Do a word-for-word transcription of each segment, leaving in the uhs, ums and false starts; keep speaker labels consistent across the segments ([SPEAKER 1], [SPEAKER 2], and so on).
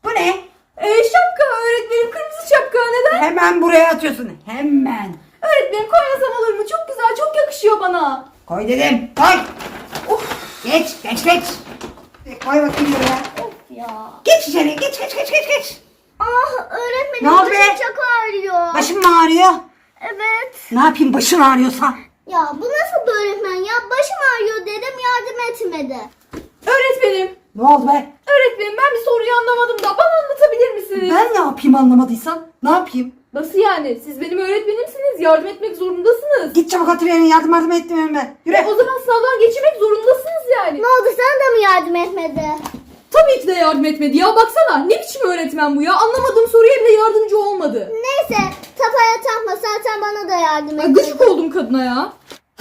[SPEAKER 1] Bu ne?
[SPEAKER 2] Ee, şapka öğretmenim, kırmızı şapka. Neden?
[SPEAKER 1] Hemen buraya atıyorsun. Hemen.
[SPEAKER 2] Öğretmenim koymasam olur mu? Çok güzel, çok yakışıyor bana.
[SPEAKER 1] Koy dedim. Koy.
[SPEAKER 2] Of
[SPEAKER 1] Geç geç geç. Koy bakayım buraya.
[SPEAKER 3] Of ya.
[SPEAKER 1] Geç içeri. Geç geç geç geç geç.
[SPEAKER 3] Ah öğretmenim
[SPEAKER 1] Ne oldu
[SPEAKER 3] başım
[SPEAKER 1] be?
[SPEAKER 3] çok ağrıyor.
[SPEAKER 1] Başın mı ağrıyor?
[SPEAKER 3] Evet.
[SPEAKER 1] Ne yapayım başın ağrıyorsa?
[SPEAKER 3] Ya bu nasıl bir öğretmen ya? Başım ağrıyor dedim yardım etmedi.
[SPEAKER 2] öğretmenim.
[SPEAKER 1] Ne oldu be?
[SPEAKER 2] Öğretmenim ben bir soruyu anlamadım da bana anlatabilir misiniz?
[SPEAKER 1] Ben ne yapayım anlamadıysan? Ne yapayım?
[SPEAKER 2] Nasıl yani? Siz benim öğretmenimsiniz. Yardım etmek zorundasınız.
[SPEAKER 1] Git çabuk otur yerine yardım yardım etmiyorum ben. Yürü.
[SPEAKER 2] E, o zaman sınavdan geçirmek zorundasınız yani.
[SPEAKER 3] Ne oldu sana da mı yardım etmedi?
[SPEAKER 2] Tabii ki de yardım etmedi ya. Baksana ne biçim öğretmen bu ya. Anlamadığım soruya bile yardımcı olmadı.
[SPEAKER 3] Neyse kafaya takma zaten bana da yardım
[SPEAKER 2] Ay,
[SPEAKER 3] etmedi.
[SPEAKER 2] gıcık oldum kadına ya.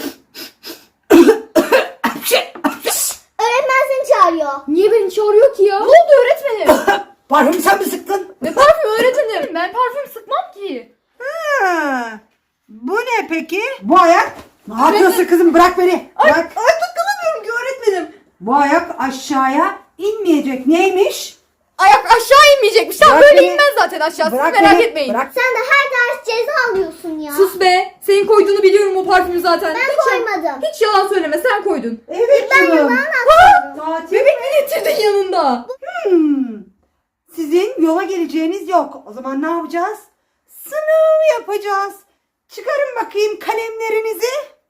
[SPEAKER 3] Öğretmen seni çağırıyor.
[SPEAKER 2] Niye beni çağırıyor ki ya? Ne oldu öğretmenim?
[SPEAKER 1] Parfüm sen mi sıktın?
[SPEAKER 2] Ne parfüm öğretmenim? Ben parfüm sıkmam ki.
[SPEAKER 1] Ha, bu ne peki? Bu ayak. Ne yapıyorsun kızım? Bırak beni.
[SPEAKER 2] Ay,
[SPEAKER 1] Bırak.
[SPEAKER 2] ay tıklanamıyorum ki öğretmenim.
[SPEAKER 1] Bu ayak aşağıya inmeyecek. Neymiş?
[SPEAKER 2] Ayak aşağı inmeyecekmiş. Tam
[SPEAKER 1] Bırak
[SPEAKER 2] böyle
[SPEAKER 1] beni.
[SPEAKER 2] inmez zaten aşağı. Siz
[SPEAKER 1] Bırak
[SPEAKER 2] merak
[SPEAKER 1] beni.
[SPEAKER 2] etmeyin.
[SPEAKER 1] Bırak.
[SPEAKER 3] Sen de her ders ceza alıyorsun ya.
[SPEAKER 2] Sus be. Senin koyduğunu biliyorum o parfümü zaten.
[SPEAKER 3] Ben
[SPEAKER 2] hiç,
[SPEAKER 3] koymadım.
[SPEAKER 2] Hiç yalan söyleme. Sen koydun.
[SPEAKER 1] Evet
[SPEAKER 3] Ben
[SPEAKER 1] canım.
[SPEAKER 3] yalan atıyorum.
[SPEAKER 1] Tatil
[SPEAKER 2] Bebek mi getirdin yanında?
[SPEAKER 1] Hmm. Sizin yola geleceğiniz yok. O zaman ne yapacağız? Sınav yapacağız. Çıkarın bakayım kalemlerinizi.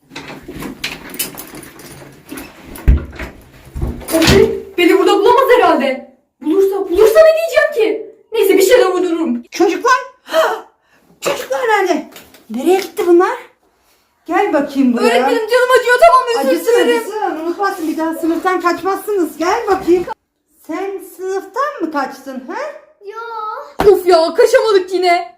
[SPEAKER 2] Öğretmenim beni burada bulamaz herhalde. Bulursa, bulursa ne diyeceğim ki? Neyse bir şeyler uydururum.
[SPEAKER 1] Çocuklar. Çocuklar nerede? Nereye gitti bunlar? Gel bakayım buraya.
[SPEAKER 2] Öğretmenim canım acıyor, tamam özür
[SPEAKER 1] Acısın
[SPEAKER 2] dilerim.
[SPEAKER 1] acısın. Unutmazsın bir daha sınıftan kaçmazsınız. Gel bakayım. Sen sınıftan mı kaçtın ha?
[SPEAKER 3] Yok.
[SPEAKER 2] Of ya kaçamadık yine.